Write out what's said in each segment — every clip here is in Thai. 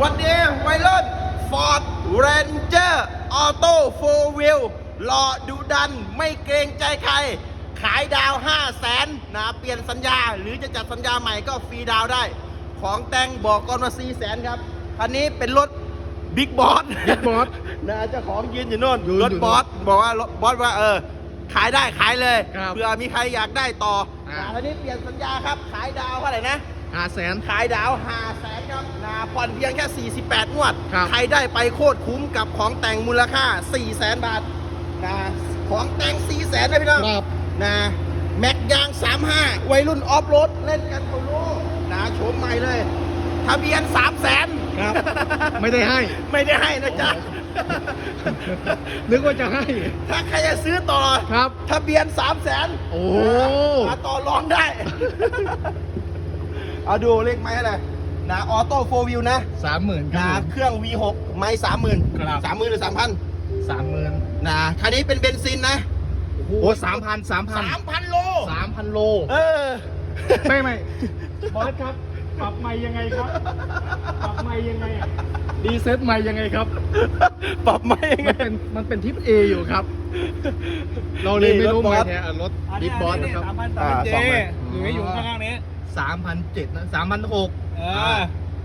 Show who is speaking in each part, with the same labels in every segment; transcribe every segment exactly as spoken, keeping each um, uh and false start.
Speaker 1: วันนี้วัยรุ่น Ford Ranger Auto โฟร์ Wheel หล่อดุดันไม่เกรงใจใครขายดาว ห้าแสน นะเปลี่ยนสัญญาหรือจะจัดสัญญาใหม่ก็ฟรีดาวได้ของแต่งบอกก่อนว่า สี่แสน ครับคันนี้เป็นรถบิ๊กบอสบิ๊กบอสนะเจ้าของยืนอยู่โน่นรถบอสบอกว่ารถบอสว่าเออขายได้ขายเลยเผื่อมีใครอยากได้ต่อคันนี้เปลี่ยนสัญญาครับขายดาวเท่าไหร่นะ
Speaker 2: ห้าแสน
Speaker 1: ขายดาวห้าแสนครับนะผ่อนเพียงแค่สี่สิบแปดงวดใครได้ไปโคตรคุ้มกับของแต่งมูลค่าสี่แสนบาทนะของแต่งสี่แสนนะพี่น้องนะแม็กยางสามห้าวัยรุ่นออฟโรดเล่นกันโคโลนะโฉมใหม่เลยทะเบียนสามแสน
Speaker 2: ครับไม่ได้ให้
Speaker 1: ไม่ได้ให้นะจ๊ะ
Speaker 2: นึกว่าจะให้
Speaker 1: ถ้าใครจะซื้อต่อ
Speaker 2: ครับ
Speaker 1: ทะเบียนสามแสน
Speaker 2: โอ้
Speaker 1: มาต่อรองได้เอาดูเลขไม้อะไรนะออโต้โฟร์วิวนะ
Speaker 2: สามหมื่น
Speaker 1: นะเครื่อง วี หก ไม้สามหมื่นสามหมื่นหรือสามพัน
Speaker 2: สามหมื่น
Speaker 1: นะคันนี้เป็นเบนซินนะ
Speaker 2: โอ้สามพันสามพัน
Speaker 1: สามพันโล
Speaker 2: สามพันโล
Speaker 1: เออ
Speaker 2: ไม่ไม่บอสครับปรับใหม่ยังไงครับปรับใหม่ยังไงดีเซ็ตใหม่ยังไงครับ
Speaker 1: ปรับใหม่ยังไง
Speaker 2: มันเป็นมันเป็นทิป A อยู่ครับเราเลยไม่รู้ไงเนี่ยรถบิ๊กบอสนะครับ
Speaker 3: สามพันสามเจอยู่ไม่อยู่ข้างๆนี้
Speaker 2: สามพันเจ็ดนะสามพันหก
Speaker 3: เออ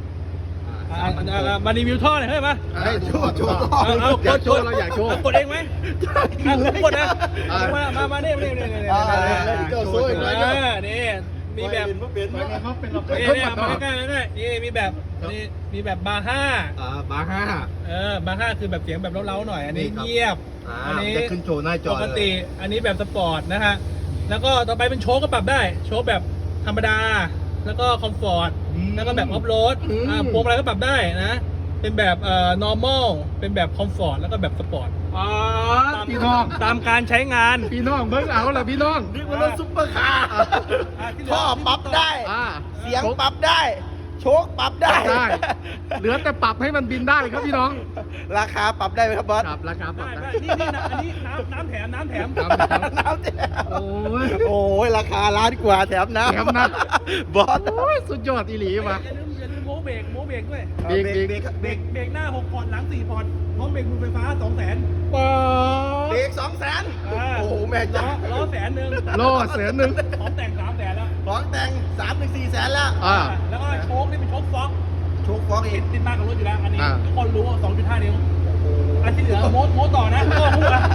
Speaker 3: มารีวิวท่อหน่อยเฮ้ยมา
Speaker 1: โชว์โชว์
Speaker 2: อยากโชว์เราอยากโชว์
Speaker 3: กดเองไหมกดนะมามามาเนี่ยเนี่ยเนี่ยเนี่ย
Speaker 1: โชว์โชว์
Speaker 3: นี่มีแบบ
Speaker 2: นี่เขาเป็นเราเป็น
Speaker 3: นี่มาใกล้ๆนี่นี่มีแบบนี่มีแบบบาร์ห้า
Speaker 2: อ่าบาร์ห้า
Speaker 3: เออบาร์ห้าคือแบบเสียงแบบเล้าๆหน่อยอันนี้เงียบ
Speaker 2: อันนี้จะขึ้นโชว์หน้าจอ
Speaker 3: ปกติอันนี้แบบสปอร์ตนะฮะแล้วก็ต่อไปเป็นโชว์ก็ปรับได้โชว์แบบธรรมดาแล้วก็คอมฟอร์ตแล้วก็แบบออฟโรดอ่าพวงอะไรก็ปรับได้นะเป็นแบบเอ่อ normal เป็นแบบคอมฟอร์ตแล้วก็แบบสปอร์ต
Speaker 2: อ๋อพี่น้อง
Speaker 3: ตามการใช้งาน
Speaker 2: พี่น้องเบิ่งเอาล่ะพี่น้อง
Speaker 1: นี่มันรถซุปเปอร์คาร์ท่อปรับได้เสียงปรับได้โชคปรับได้
Speaker 2: เหลือแต่ปรับให้มันบินได้ครับพี่น้อง
Speaker 1: ราคาปรับได้ไหมครับบอส
Speaker 2: ครับราคาปรับได้
Speaker 3: นี่นี่นะอันนี้น้ำน้ำแถมน้ำแถม
Speaker 1: น้ำแถมโอ้ยโอ้ยราคาล้านกว่าแถมน้ำ
Speaker 2: แถมน้
Speaker 1: ำบอส
Speaker 2: สุดยอดอีหลีมา
Speaker 3: อย่าลืมอย่าลืมโม้เบรกโม้เบรกด้วย
Speaker 1: เบรกเบรกเบรก
Speaker 3: เบรกหน้าหกพอร์ตหลังสี่พอร์ตพร้อมเบรกมือไฟฟ้าสองแสน
Speaker 2: ป๊า
Speaker 1: เบรกสองแสนโอ้โหแม่จ้า
Speaker 3: ล้อแสนหนึ่ง
Speaker 2: ล้อแสนหนึ่ง
Speaker 3: พร้อมแต่งสามแสนแล้ว
Speaker 1: พร้อมแต่งสามถึงสี่แสนแล้ว
Speaker 2: อ่า
Speaker 3: แล้วก็โชคนี่เป็นโชคฟ็อก
Speaker 1: โชคฟ็อกอีก
Speaker 3: ติดมากกับรถอยู่แล้วอันนี้ทุกคนรู้สองจุดห้านิ้วอันที่เหลือโม้โม้ต่อนะโม้พูดละ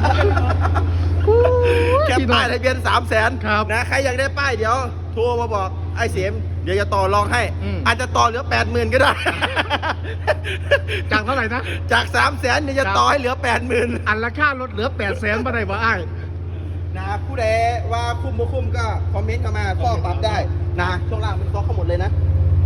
Speaker 1: แค่ป้ายทะเบียนสามแสนนะใครอยากได้ป้ายเดี๋ยวโทรมาบอกไอ้เสียมเดี๋ยวจะต่อรองให้อาจจะต่อเหลือแปดหมื่นก็ได้
Speaker 2: จากเท่าไหร่นะ
Speaker 1: จากสามแสนเดี๋ยวจะต่อให้เหลือแปดหมื่น
Speaker 2: อันละค่ารถเหลือแปดแสนมาได้บ่ไอ้
Speaker 1: นะผู้ใดว่าคุ้มบ่คุ้มก็คอมเมนต์เข้ามาข้อปรับได้นะช่วงล่างมันข้อเข้าหมดเลยนะ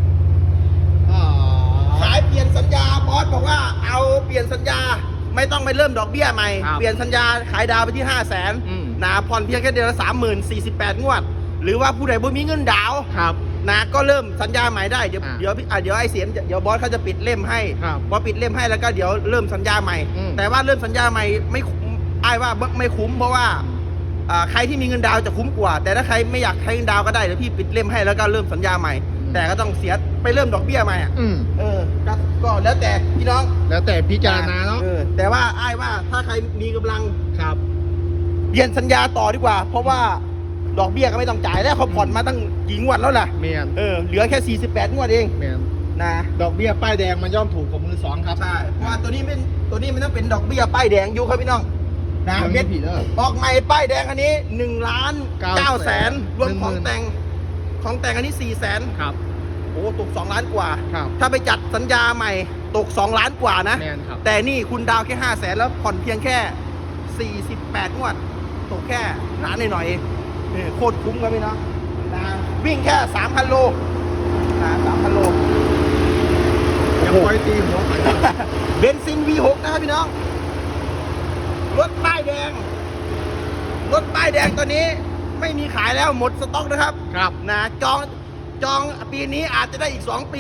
Speaker 1: ขายเปลี่ยนสัญญาบอสบอกว่าเอาเปลี่ยนสัญญาไม่ต้องไปเริ่มดอกเบี้ยใหม่เปลี่ยนสัญญาขายดาวไปที่ห้าแสนนะผ่อนเพียงแค่เดือนละสามหมื่นสี่สิบแปดงวดหรือว่าผู้ใดบ่มีเงินดาวนะก็เริ่มสัญญาใหม่ได้เดี๋ยวเดี๋ยวเดี๋ยวไอ้เสียมเดี๋ยวบอสเขาจะปิดเล่มให้พอปิดเล่มให้แล้วก็เดี๋ยวเริ่มสัญญาใหม่แต่ว่าเริ่มสัญญาใหม่ไม่ไอ้ว่าไม่คุ้มเพราะว่าใครที่มีเงินดาวจะคุ้มกว่าแต่ถ้าใครไม่อยากใช้เงินดาวก็ได้เดี๋ยวพี่ปิดเล่มให้แล้วก็เริ่มสัญญาใหม่แต่ก็ต้องเสียไปเริ่มดอกเบี้ยใหม่อ่ะเออก็แล้วแต่พี่น้อง
Speaker 2: แล้วแต่พิจารณาเนาะ
Speaker 1: แต่ว่าไอ้ว่าถ้าใครมีกำลัง
Speaker 2: ครับ
Speaker 1: เปลี่ยนสัญญาต่อดีกว่าเพราะว่าดอกเบี้ยก็ไม่ต้องจ่ายแล้วเขาผ่อนมาตั้งกี่งวดแล้วล่ะ
Speaker 2: เมียน
Speaker 1: เออเหลือแค่สี่สิบแปดงวดเอง
Speaker 2: เมียน
Speaker 1: นะ
Speaker 2: ดอกเบี้ยป้ายแดงมันย่อมถูกกว่ามือสองครับ
Speaker 1: ใช่เพราะว่าตัวนี้เป็นตัวนี้มันต้องเป็นดอกเบี้ยป้ายแดงอยู่ครับพี่น้องนะเม็ดออกใหม่ป้ายแดงอันนี้หนึ่งล้านเก้าแสนรวมของแต่งของแต่งอันนี้สี่แสน
Speaker 2: ครับ
Speaker 1: โอ้ตกสองล้านกว่าถ้าไปจัดสัญญาใหม่ตกสองล้านกว่านะแต่นี่คุณดาวแค่ห้าแสนแล้วผ่อนเพียงแค่สี่สิบแปดงวดตกแค่ล้านหน่อยๆโคตรคุ้มครับพี่น้องนะวิ่งแค่สามพันโลนะสามพันโล
Speaker 2: ยังปล่อยตีหัว
Speaker 1: เบนซิน วี หก นะครับพี่น้องรถป้ายแดงรถป้ายแดงตัวนี้ไม่มีขายแล้วหมดสต็อกนะครับ
Speaker 2: ครับ
Speaker 1: นะจองจองปีนี้อาจจะได้อีกสองปี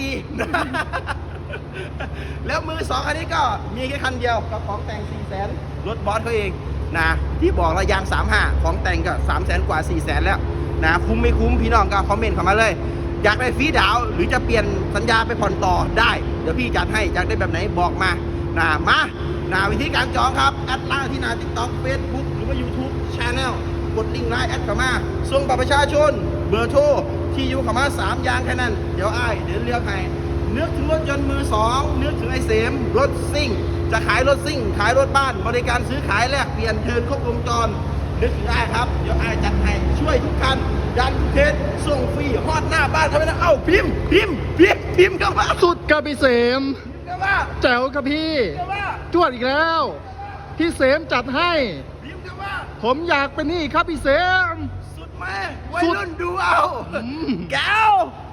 Speaker 1: แล้วมือสองคันนี้ก็มีแค่คันเดียวกับของแต่งสี่แสนรถบอสเขาเองนะที่บอกระยางสามห้าของแต่งก็สามแสนกว่าสี่แสนแล้วนะคุ้มไม่คุ้มพี่น้องก็คอมเมนต์เข้ามาเลยอยากได้ฟรีดาวน์หรือจะเปลี่ยนสัญญาไปผ่อนต่อได้เดี๋ยวพี่จัดให้อยากได้แบบไหนบอกมานะมานะวิธีการจองครับแอดไลน์ที่หน้า TikTok Facebook หรือว่า YouTube Channel กดลิงก์ไลน์แอดเข้ามาส่งบัตรประชาชนเบอร์โทรที่อยู่เข้ามาสามอย่างแค่นั้นเดี๋ยวอ้ายเดี๋ยวเลือกให้นึกถึงรถยนต์มือสองนึกถึงไอ้เสมรถซิ่งจะขายรถซิ่งขายรถบ้านบริการซื้อขายแลกเปลี่ยนเทิร์นครบวงจรนึกถึงอ้ายครับเดี๋ยวอ้ายจัดให้ช่วยทุกคันดันทุกเคสส่งฟรีฮอดหน้าบ้านทำไมนะเอ้าพิมพ์พิมพ์พิมพ์พิมพ์เข้ามา
Speaker 2: สุดกับพี่เสม
Speaker 1: เข้ามา
Speaker 2: แจ๋วกับพี่
Speaker 1: เข้ามา
Speaker 2: จวดอีกแล้ว พี่เสมจัดให้
Speaker 1: พิมพ์เข้ามา
Speaker 2: ผมอยากเป็นนี่ครับพี่เสม
Speaker 1: สุดแม่วัยรุ่นดูเอา
Speaker 2: อืม
Speaker 1: แก้ว